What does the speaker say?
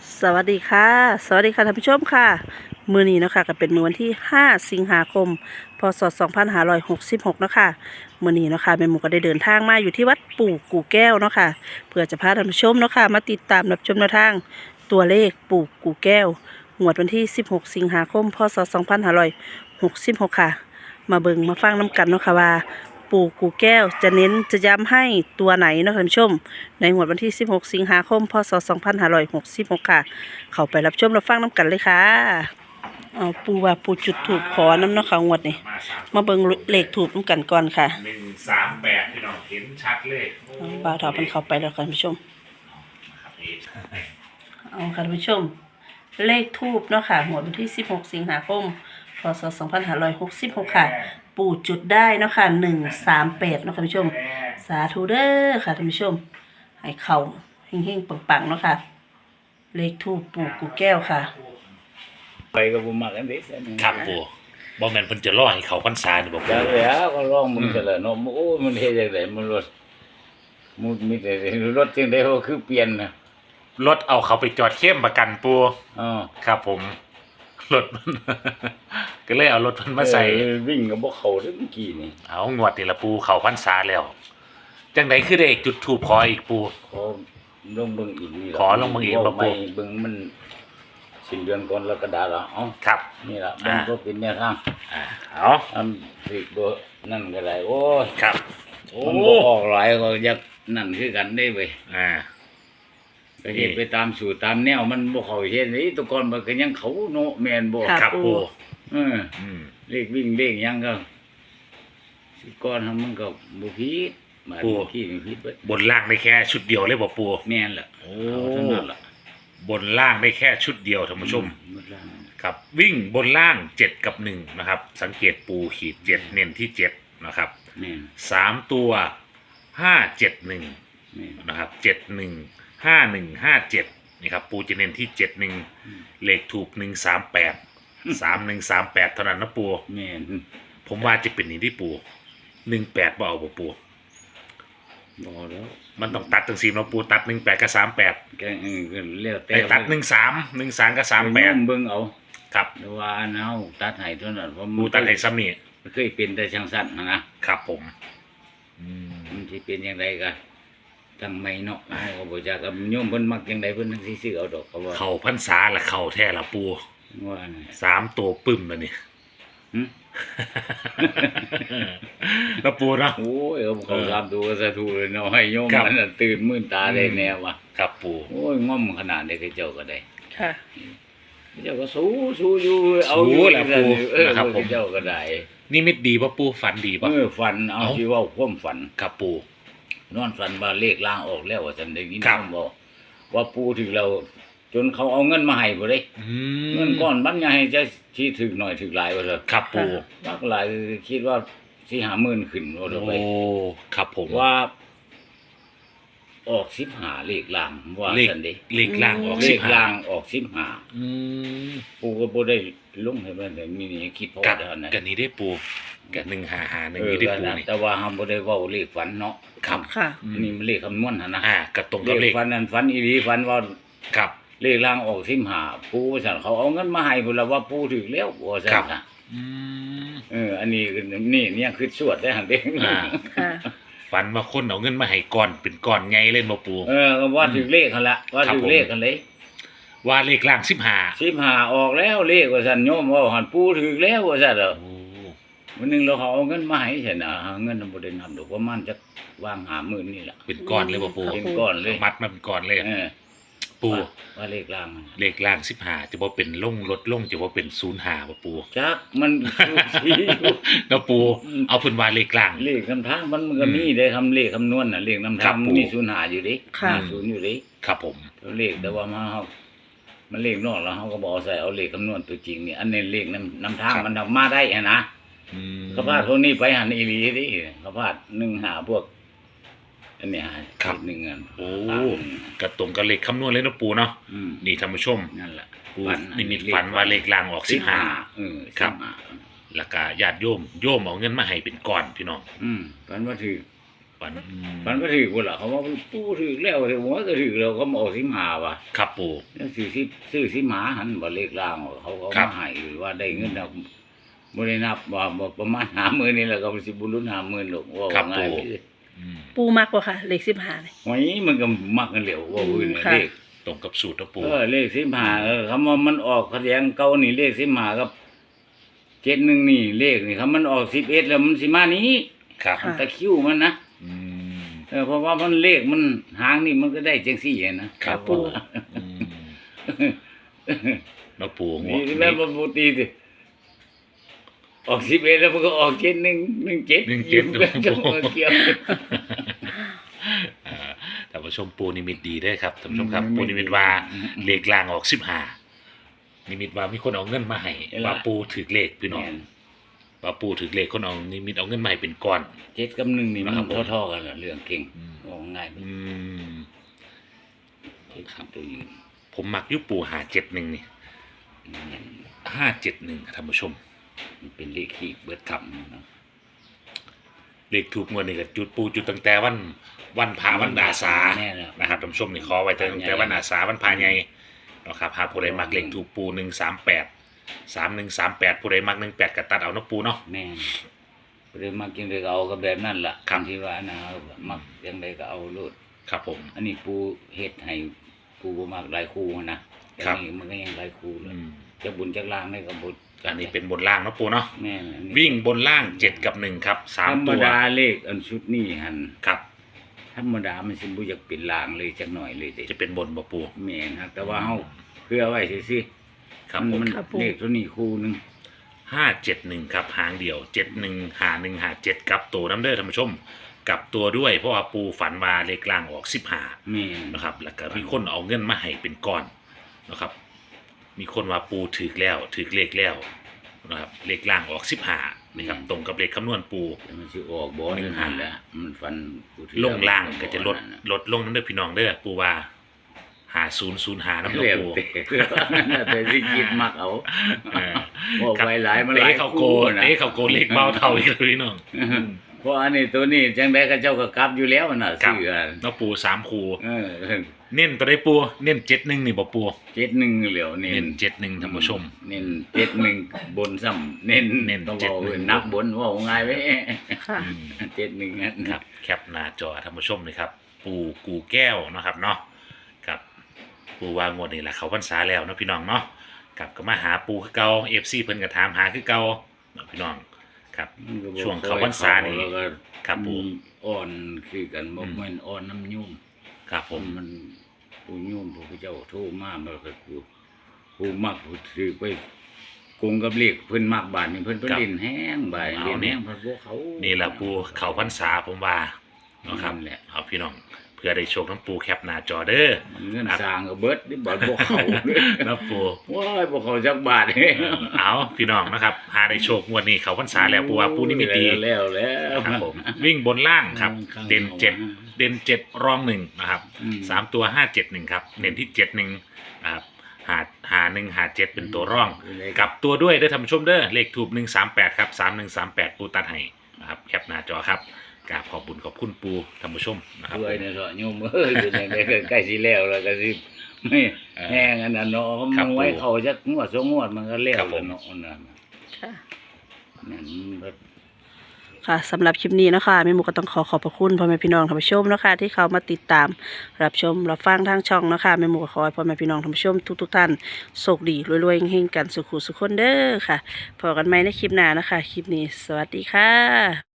สวัสดีค่ะสวัสดีค่ะท่านผู้ชมค่ะมื้อนี้เนาะค่ะก็เป็นมื้อวันที่5สิงหาคมพศ2566เนาะค่ะมื้อนี้เนาะค่ะแม่หมูก็ได้เดินทางมาอยู่ที่วัดปู่กู่แก้วเนาะค่ะเพื่อจะพาท่านผู้ชมเนาะค่ะมาติดตามรับชมแนวทางตัวเลขปู่กู่แก้วงวดวันที่16สิงหาคมพศ2566ค่ะมาเบิ่งมาฟังน้ำกันเนาะค่ะว่าปู่กู่แก้วจะเน้นจะย้ำให้ตัวไหนเนาะท่านผู้ชมในงวดวันที่16สิงหาคมพศ2566ค่ะเข้าไปรับชมรับฟังน้ำกันเลยค่ะเอาปูว่าปูจุดถูกขอน้ำเนาะค่ะงวดนี้มาเบิ่งเลขถูกน้ำกันก่อนค่ะ 138พี่น้องเห็นชัดเลยบ่าวถอมันเข้าไปแล้วค่ะท่านผู้ชมเอาค่ะท่านผู้ชมเลขทูบเนาะค่ะงวดวันที่16สิงหาคมพศ2566ค่ะปู่จุดได้เนาะค่ะ138เนาะค่ะท่านผู้ชมสาธุเด้อค่ะท่านผู้ชมให้เข้าเฮงๆปังๆเนาะค่ะเลขทูบปู่กู่แก้วค่ะไปกับผมมากันเด็กครับปู่บ่แม่นเพิ่นจะรอให้เขาพรรษานี่บ่จาปู่กแล้วก็ร้องมึงกันแล้วเนาะโอ้มันเฮ็ดจังได๋มันรถมุดมีแต่รถจังได๋ก็คือเปลี่ยนน่ะรถเอาเขาไปจอดเข้มประกันปู่อ๋อครับผมรถมัน ก็เลยเอารถเพิ่นมาใส่วิ่งก็บ่เข้าเด้อเมื่อกี้นี่เอางวดนี่ละปู่เขาพรรษาแล้วจังได๋คือได้จุดธูปขออีกปู่ขอลงเบิ่งอีกนี่ล่ะขอลงเบิ่งอีกบ่ปู่เบิ่งมันสิ้นเดือนก่อนกรกฎาคมเอ้าครับนี่ล่ะมันก็เป็นแนวทางเอาสิบ่นั่นก็ได้โอ้ยครับโอ้มันบ่ออกหลายก็อยากนั่นคือกันได้เว้ยก็เฮ็ดไปตามสูตรตามแนวมันบ่เข้าเฮ็ดนี่แตะก่อนมันก็ยังเขาเนาะแม่นบ่ครับปู่เลขวิ่งเลขหยังก็สิก่อนมันก็บ่ผิดบาดนี้ขี้นี่ผิดเบิดบนล่างได้แค่ชุดเดียวเลยบ่ปู่แม่นล่ะโอ้เท่านั้นล่ะบนล่างได้แค่ชุดเดียวท่านผู้ชมครับวิ่งบนล่าง7กับ1นะครับสังเกตปูขีด7เน้นที่7นะครับ3ตัว571นะครับ71 5157นี่ครับปูจะเน้นที่71เลขถูก138 3138เท่านั้นนะปูแม่นผมว่าจะเป็นนี่ที่ปู18บ่เอาบ่ปูบ่แล้วมันต้องตัดจังซี่เนาะปูตัด18กับ38 ก็แล้วแต่ตัด13กับ38 เบิ่งเอาครับแต่ว่าอันเฮาตัดให้เท่านั้นเพราะปูตัดให้ซ้ำนี่เคยเป็นแต่จังซั่นนะครับผมมันสิเป็นจังไดก็จังไม่เนาะเฮาก็บ่จักโยมเพิ่นมักจังไดเพิ่นสิซื้อเอาดอกเขาว่าเข้าพรรษาละเข้าแท้ละปูว่า 3ตัวปึ้มแล้วนี่แล้วปูเนาะโอ้ยเขา3ตัวสาธุเลยเนาะให้โยมมันตื่นมื่นตาได้แน่ว่ะครับปูโอ้ยง่อมขนาดนี้คือเจ้าก็ได้ค่ะเจ้าก็สู้อยู่เอาอยู่แหละปูนะครับผมเจ้าก็ได้นิมิตดีป่ะปูฝันดีป่ะฝันเอาสิเว้าความฝันครับปูนอนฝันว่าเลขล่างออกแล้วว่าซั่นได้ยินบอกว่าปูถึงเราจนเขาเอาเงินมาให้บ่ได้เงินก้อนบัดใหญ่จะสิถึกหน่อยถึกหลายว่าเถอะครับปูบักหลายคิดว่าสิ50,000ขึ้นว่าเถอะไปโอ้ครับผมว่าออก15เลขล่างว่าซั่นเด้เลขล่างออกเลขล่างออก15ปูก็บ่ได้ลงให้มันได้มีนี่คิดพอได้นั่นก็นี่ได้ปูก็155 1นี่ได้ปูนี่แต่ว่าเฮาบ่ได้เว้าเลขฝันเนาะครับค่ะนี่มันเลขคำนวณหั่นนะก็ตรงกับเลขฝันนั้นฝันอีหลีฝันว่าครับเลขล่างออก15ปูว่าซั่นเขาเอาเงินมาให้พุ่นล่ะว่าปูถึกแล้วว่าซั่นน่ะอันนี้นี่คือสวดได้หั่นเด้ค่ะฝันว่าคนเอาเงินมาให้ก่อนเป็นก้อนใหญ่เล่นบ่ปูว่าถึกเลขหั่นล่ะว่าถึกเลขกันเลยว่าเลขล่าง 15ออกแล้วเลขว่าซั่นโยมว่าหั่นปูถึกแล้วว่าซั่นเด้อวันนึงเราเขาเอาเงินมาให้ซั่นน่ะเงินบ่ได้นำดอกประมาณจักวาง50,000นี่ล่ะเป็นก้อนเลยบ่ปูเป็นก้อนเลยมัดมาเป็นก้อนเลยปูว่าเลขล่าง 15จะบ่เป็นลงลดลงจะบ่เป็น05บ่ปูจักมันแล้วปูเอาเพิ่นว่าเลขล่างเลขคำทางมันก็มีได้ทำเลขคำนวณน่ะเลขนำทางมี05อยู่ดิ0อยู่ดิครับผมเลขแต่ว่ามันเลขนอกแล้วเฮาก็บ่เอาใส่เอาเลขคำนวณตัวจริงนี่อันนี้เลขนำทางมันมาได้นะเขาพาดพวกนี้ไปหันอีหลีดิเขาพาด15พวกอันนี้ครับ 1อันโอ้กระตรงกับเลขคำนวณเลยนะปูเนาะนี่ท่านผู้ชมนั่นแหละปูนิมิตฝันว่าเลขล่างออก15ครับแล้วก็ญาติโยมเอาเงินมาให้เป็นก้อนพี่น้องฝันว่าถือฝันมันก็ถือพุ่นล่ะเขาว่าปูถือแล้วแต่หัวก็ถือแล้วเขามาเอา15ว่ะครับปูแล้วซื้อ15หันบ่เลขล่างเขาก็ครับมาให้ว่าได้เงินแล้วบ่ได้นับว่าบ่ประมาณ50,000นี่แหละก็สิบ่ลุ้น50,000หรอกว่าครับง่ายปูเลยปูมากกว่าค่ะ เลข15นี่ไว้มันก็มักกันเหลวว่าพื้นค่ะเลขตรงกับสูตรนะปูเลข15คำว่ามันออกคะแนนเก่านี่เลข15กับ71นี่เลขนี่คำมันออก11แล้วมันสิมานี้ครับค่ะตะคริวมันนะอืมเพราะว่ามันเลขมันหางนี่มันก็ได้จังซี่นะครับปูอืมนะปูงวนี่ดแม่นี้บ่ปกติสิออก11แล้วมันก็ออก7117ก็เกี่ยวท่านผู้ชมปูนิมิตดีได้อครับท่านผู้ชมครับอืมปูนิมิตว่าอืมเลขล่างออก15นิมิตว่ามีคนเอาเงินมาให้เห็นละว่าปูถือเลขพี่น้องว่าปูถือเลขคนเอานิมิตเอาเงินมาให้เป็นก้อน 7กับ1นี่มันนะครับผมเท่าๆกันน่ะเรื่องเก่งอืมออกง่ายไปอืมครับตัวนี้ผมมักอยุปู571นี่571ท่านผู้ชมมันเป็นเลขขี้เบิดครับเนาะเลขถูกงวดนี่ก็จุดปูจุดตั้งแต่วันพาวันอาสาแน่แล้วนะครับท่านผู้ชมนี่ขอไว้ตั้งแต่วันอาสาวันพาใหญ่นะครับหาผู้ใดมักเลขถูกปู138 3138ผู้ใดมัก18ก็ตัดเอาเนาะปูเนาะแม่นบ่ได้มักจังไดก็เอาก็แบบนั้นล่ะครับที่ว่านะมักจังไดก็เอาโลดครับผมอันนี้ปูเฮ็ดให้ปูบ่มักหลายคู่นะแต่ครับนี่มันก็ยังหลายคู่เลยอืมจะบุญจักล่างได้ก็บุญอันนี้เป็นบนล่างเนาะปูเนาะแม่นอันนี้วิ่งบนล่าง7กับ1ครับธรร 3 มตัวดาเลขอันชุดนี้หั่นครับธรรมดามันสิบ่อยากเป็นล่างเลยจักหน่อยเลยเด้จะเป็นบนบ่ปูแม่นครับแต่ว่าเฮาเพื่อไว้ซื่อครับๆผมมันครับผมเลขตัวนี้คู่หนึง 571ครับหางเดียว715157กับตัวน้ำเด้อท่านผู้ชมกลับตัวด้วยเพราะว่าปูฝันว่าเลขล่างออก15 แม่นนะครับแล้วก็มีคนเอาเงินมาให้เป็นก้อนนะครับ มีคนว่าปูถือแล้วถือเลขแล้วนะครับเลขล่างออก15นะครับตรงกับเลขคำนวณปูแต่มันสิออกบ่หนึ่นึงงหาหั่นแหละมันฟันผู้ที่ลงล่างก็จะลดนั่นน่ลดลงนั่นเด้อพี่น้องเด้อปูว่า5005น้ำเรียกปูแต่สิคิดมักเอาเออบอกไปหลายมันหเตะลายเขาโกคู่นะเตะเขาโกเลขเบาเท่าอีกเลยพี่น้องเพราะอันนี้ตัวนี้จังได๋ก็เจ้าก็กลับอยู่แล้วน่ะครับซื้ออันน้องปู3คูเออเน้นตัวได้ปูเน้น71นี่บ่ปู 71เหลียวเน้เน้นน71ท่านผู้ชมเน้น71บนซ้ำเน้นเน้นต้องบอก 71 นักบนว่าง่ายไว้ค่ะอืม 71นั่นครับแคปหน้าจอท่านผู้ชมเลยครับ ปูกูแก้วเนาะครับเนาะครับปูวางวดนี่แหละเขาพรรษาแล้วเนาะพี่น้องเนาะครับก็มาหาปูคือเก่า FC เพิ่นก็ถามหาคือเก่าเนาะพี่น้องครับมันก็บ่ช่วงเข้าพรรษานี่แล้วก็ครับปูอ่อนคือกันบ่อืมแม่นอ่อนน้ำยุ่มครับผมมันผู้ยุ่มผู้เจ้าโทรมามันก็คือผู้มักผู้ถือไปกงกับเลขเพิ่นมักบาทนี่เพิ่นเล่นแห้งบาทเล่นแห้งเพิ่นบ่เขานี่แหละปูเขาพรรษาผมว่าเนาะครับนั่นแหละเอาพี่น้องเพื่อได้โชคน้ำปูแคปหน้าจอเด้อเงินสร้างก็เบิดนี่บ่บ่เขานะปูว้ายบ่เขาจักบาทเด้เอาพี่น้องนะครับหาได้โชคงวดนี้เขาพรรษาแล้วปูว่าปูนี่มีดีแล้วครับผมวิ่งบนล่างครับ เด่น7เด่น7รอง1นะครับอืม 3ตัว571ครับเน้นที่71นะครับหา157เป็นตัวร่องกลับตัวด้วยได้อท่านผู้ชมเด้อเลขถูก138ครับ3138ปูตัดให้นะครับแคปหน้าจอครับกราบขอบคุญขอบคุณปูท่านผู้ชมนะครับด้วยเนี่ยเถอะโยมเอ้ยเป็นจังได๋ก็ใกล้สิแล้วแล้วก็สิไม่แห้งอันนั้นเนาะครัมับนไว้เขาจักงวด2งวดมันก็แล้วครับผมเนาะนั่นค่ะนั่นมันก็ค่ะสำหรับคลิปนี้เนาะคะแม่หมูก็ต้องขอบพระคุณพ่อแม่พี่น้องท่านผู้ชมเนาะคะที่เขามาติดตามรับชมรับฟังทางช่องเนาะคะแม่หมูก็ขอให้พ่อแม่พี่น้องท่านผู้ชมทุกท่านโชคดีรวยๆเฮงๆกันสุขุสุขคนเด้อค่ะพบกันใหม่ในคลิปหน้านะคะคลิปนี้สวัสดีค่ะ